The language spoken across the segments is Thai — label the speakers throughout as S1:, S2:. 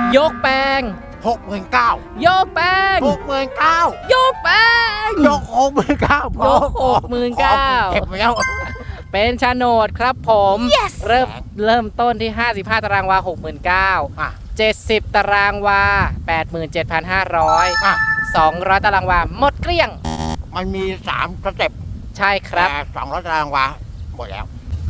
S1: ยกแปลง
S2: 69,000
S1: ยกแปลง
S2: 69,000
S1: ยกแปลง
S2: ยก69,000
S1: ยก69,000
S2: เก็บแล้ว
S1: เป็นโฉนดครับผม เริ่มต้นที่55ตารางวา 69,000 70ตารางวา 87,500 200ตารางวาหมดเกลี้ยง
S2: มันมี3สเต็ป
S1: ใช่ครับ
S2: แต่200ตารางวาหมดแล้ว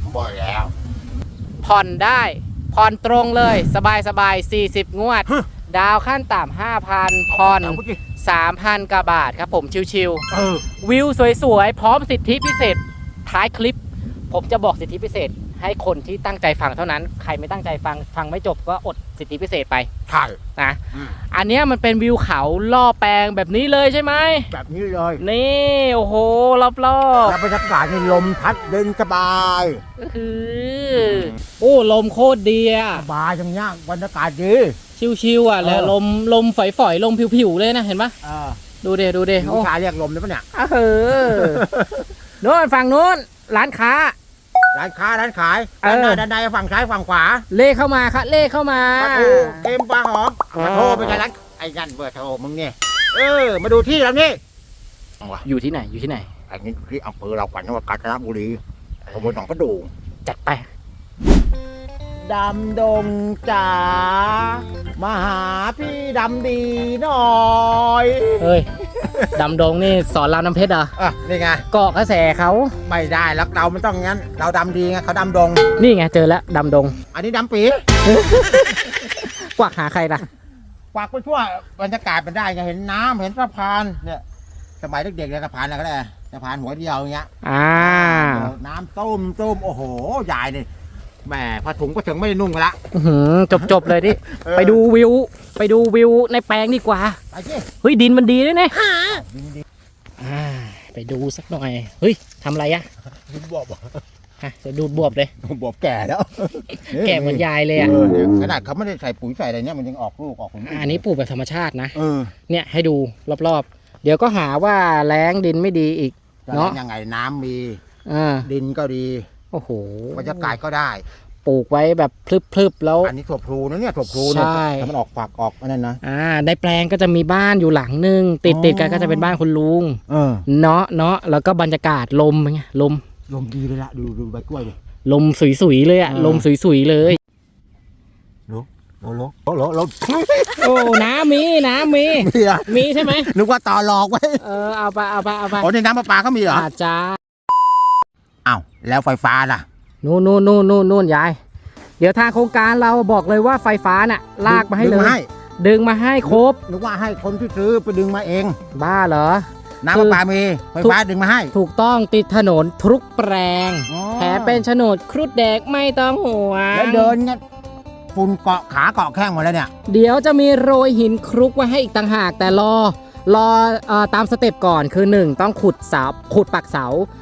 S1: ผ่อนได้ผ่อนตรงเลยสบาย40 งวด ดาวขั้นต่ำ 5,000 ผ่อน 3,000 กว่าบาทครับผมชิวๆวิวสวยๆ พร้อมสิทธิพิเศษท้ายคลิป ผมจะบอกสิทธิพิเศษให้คนที่ตั้งใจฟังเท่านั้นใครไม่ตั้งใจฟังไม่จบก็อดสิทธิพิเศษไป
S2: ใช่
S1: นะอันนี้มันเป็นวิวเขาล่อแปลงแบบนี้เลยใช่ไหม
S2: แบบนี้เลย
S1: นี่โอ้โหรอบ
S2: แล้วบรรยากาศในลมพัดเดินสบาย
S1: ๆก็คือโอ้ลมโคตรดีอะ
S2: สบายอย่างเงี้ยบรรยากาศดี
S1: ชิวๆอ่ะแล้วลมฝอยๆลมผิวๆเลยนะเห็นปะดูเดโอ้
S2: ผู้ชายเรียกลมได้ปะเนี่ย
S1: โน่นฝั่งโน้นร้านค้า
S2: ร้านขายด้านหน้าด้านในฝั่งซ้ายฝั่งขวา
S1: เล่เข้ามาครับเล่เข้ามา
S2: ปลาทูเค็มปลาหอมปลาโทไปใช่ร้านไอ้ยันเบอร์โทรมึงเนี่ยมาดูที่แล้วนี่
S1: อยู่ที่ไหน
S2: อันนี้ที่อำเภอเราขวัญจังหวัดกาญจนบุรีตำบลหนองประดู่
S1: จัดไป
S2: ดำดงจ๋ามาหาพี่ดำดีหน่อย
S1: เฮ้ยดำดงนี่สอนรามน้ำเพชรเหรอ
S2: นี่ไง
S1: เกาะกระแสเขา
S2: ไม่ได้แล้วเรามันต้องงั้นเราดำดีไงเขาดำดง
S1: นี่ไงเจอแล้วดำดง
S2: อันนี้ดำปี
S1: กวักหาใครล่ะ
S2: กวากไปทั่วบรรยากาศมันได้ไงเห็นน้ำเห็นสะพานเนี่ยสมัยเด็กๆเลยสะพานอะไรก็ได้สะพานหัวเดียวอย่างเงี้ยน้ำต้มโอ้โหใหญ่เลยแหมผ้าถุงก็ถึงไม่ได้นุ่งกันละ
S1: จบเลยดิไปดูวิวในแปลงดีกว่า
S2: ไปสิ
S1: เฮ้ยดินมันดีด้วยเนี่ย
S2: ดี
S1: ไปดูสักหน่อยเฮ้ยทำอะไรอะ
S2: ดูบวบ
S1: จะดูบวบเลย
S2: บวบแก่แล้ว
S1: แก่เหมือนยายเลยอะ
S2: ขนาดเขาไม่ได้ใส่ปุ๋ยใส่อะไรเนี่ยมันยังออกลูกออกผล
S1: อันนี้ปลูกแบบธรรมชาตินะ
S2: เออ
S1: เนี่ยให้ดูรอบๆเดี๋ยวก็หาว่าแล้งดินไม่ดีอีก
S2: เนาะยังไงน้ำมีดินก็ดี
S1: โอ้โห
S2: บรรยากาศก็ได้
S1: ปลูกไว้แบบพลึบๆแล้ว
S2: อันนี้ถั่วพลูนะเนี่ยถั่วพลูเนี่ยถ้ามันออกฝักออกนั่นนะ
S1: ในแปลงก็จะมีบ้านอยู่หลังนึงติดกันก็จะเป็นบ้านคุณลุงเนาะแล้วก็บรรยากาศลมไงลม
S2: ดีเลยละดูใบกล้วยดิ
S1: ลมสุยๆเลยอะลมสุยๆเลย
S2: โล
S1: โอ้น้ำมีใช่ไหม
S2: นึกว่าต่อหลอกไว้
S1: เอาไป
S2: โอ้ในน้ำประปาเขามีเหรอ
S1: อาจจะ
S2: อ้าวแล้วไฟฟ้าล่ะ
S1: นู่นยายเดี๋ยวทางโครงการเราบอกเลยว่าไฟฟ้าน่ะลากมาให้เลยดึงมาให้ครบ
S2: นึกว่าให้คนที่ซื้อไปดึงมาเอง
S1: บ้าเหรอ
S2: น้ำประปามีไฟฟ้าดึงมาให้
S1: ถูกต้องติดถนนทุกแปลงแถมเป็นโฉนดครุฑแดกไม่ต้องห่วง
S2: แล้วเดินเนี่ยฝุ่นเกาะขาเกาะแข้งหมดแล้วเนี่ย
S1: เดี๋ยวจะมีโรยหินคลุกไว้ให้อีกต่างหากแต่รอตามสเต็ปก่อนคือ1ต้องขุดปักเสา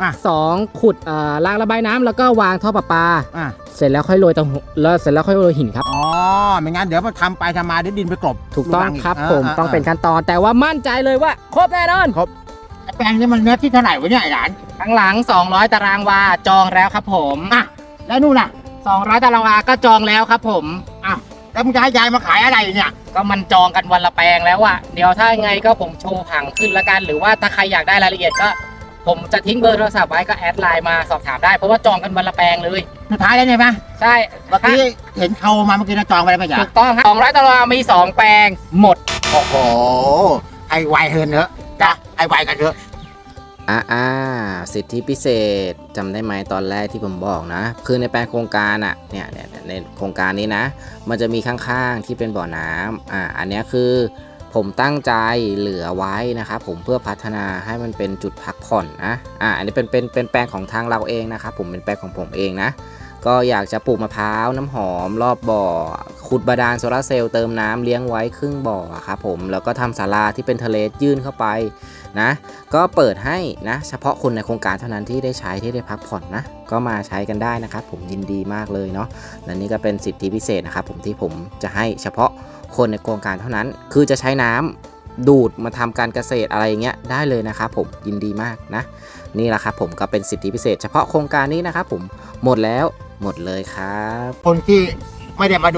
S1: 2ขุดรางระบายน้ำแล้วก็วางท่อประปาเสร็จแล้วค่อยโรยเสร็จแล้วค่อยโรยหินครับ
S2: ไม่งั้นเดี๋ยวพอทำไปทำมาเดี๋ยวดินไปกลบ
S1: ถูกต้องครับผมต้องเป็นขั้นตอนแต่ว่ามั่นใจเลยว่าครบแน่นอน
S2: ครบแปลงนี้มันเนื้อที่เท่าไหร่วะเนี่ยไอ้หลาน
S1: ข้างหลัง200ตารางวาจองแล้วครับผม
S2: แล้วนู่นน่ะ
S1: 200ตารางวาก็จองแล้วครับผม
S2: แล้วมึงจะให้ยายมาขายอะไรเนี่ย
S1: ก็มันจองกันวันละแปลงแล้วอะเดี๋ยวถ้าไงก็ผมโชว์ผังขึ้นละกันหรือว่าถ้าใครอยากได้รายละเอียดก็ผมจะทิ้งเบอร์โทรศัพท์ไว้ก็แอดไลน์มาสอบถามได้เพราะว่าจองกันวันละแปลงเลย
S2: สุดท้ายแล้วใช่ไหม
S1: ใช่
S2: เมื่อกี้เห็นเขามาเมื่อกี้นะจองไปแล้วไม่ใช่
S1: ถูกต้องครับ200ตารางวามี2แปลงหมด
S2: โอ้โหไอ้ไวเฮินเนอะจ้ะไอ้ไวกันเถอะ
S1: สิทธิพิเศษจำได้ไหมตอนแรกที่ผมบอกนะคือในแปลงโครงการอ่ะเนี่ยในโครงการนี้นะมันจะมีข้างๆที่เป็นบ่อน้ำอันนี้คือผมตั้งใจเหลือไว้นะครับผมเพื่อพัฒนาให้มันเป็นจุดพักผ่อนนะอันนี้เป็นแปลงของทางเราเองนะครับผมเป็นแปลงของผมเองนะก็อยากจะปลูกมะพร้าวน้ำหอมรอบบ่อขุดบาดาลโซลาร์เซลล์เติมน้ำเลี้ยงไว้ครึ่งบ่อครับผมแล้วก็ทำศาลาที่เป็นทะเลยื่นเข้าไปนะก็เปิดให้นะเฉพาะคนในโครงการเท่านั้นที่ได้ใช้ที่ได้พักผ่อนนะก็มาใช้กันได้นะครับผมยินดีมากเลยเนาะและนี่ก็เป็นสิทธิพิเศษนะครับผมที่ผมจะให้เฉพาะคนในโครงการเท่านั้นคือจะใช้น้ำดูดมาทำการเกษตรอะไรเงี้ยได้เลยนะครับผมยินดีมากนะนี่แหละครับผมก็เป็นสิทธิพิเศษเฉพาะโครงการนี้นะครับผมหมดแล้วหมดเลยครับ
S2: คนที่ไม่ได้มาดู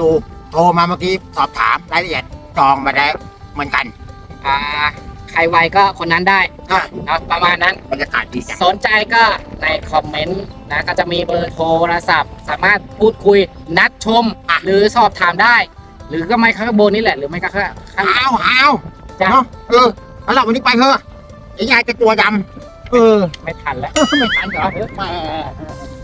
S2: โทรมาเมื่อกี้สอบถามรายละเอียดจองมาได้เหมือนกัน
S3: ใครไวก็คนนั้นได้
S2: อ่ะ
S3: เนาะประมาณนั้น
S2: บรรยากาศดีจัง
S3: สนใจก็ในคอมเมนต์นะก็จะมีเบอร์โทรศัพท์ สามารถพูดคุยนัดชม หรือสอบถามได้ หรือก็ไม่ข้างบนนี่แหละหรือไม่ก็ข้าง
S2: เอา
S3: จ้ะ
S2: เนาะแล้วเราวันนี้ไปเถอะยายจะตัวดำ
S3: ไม่ทันแล้ว
S2: ไม่ทันเหรอ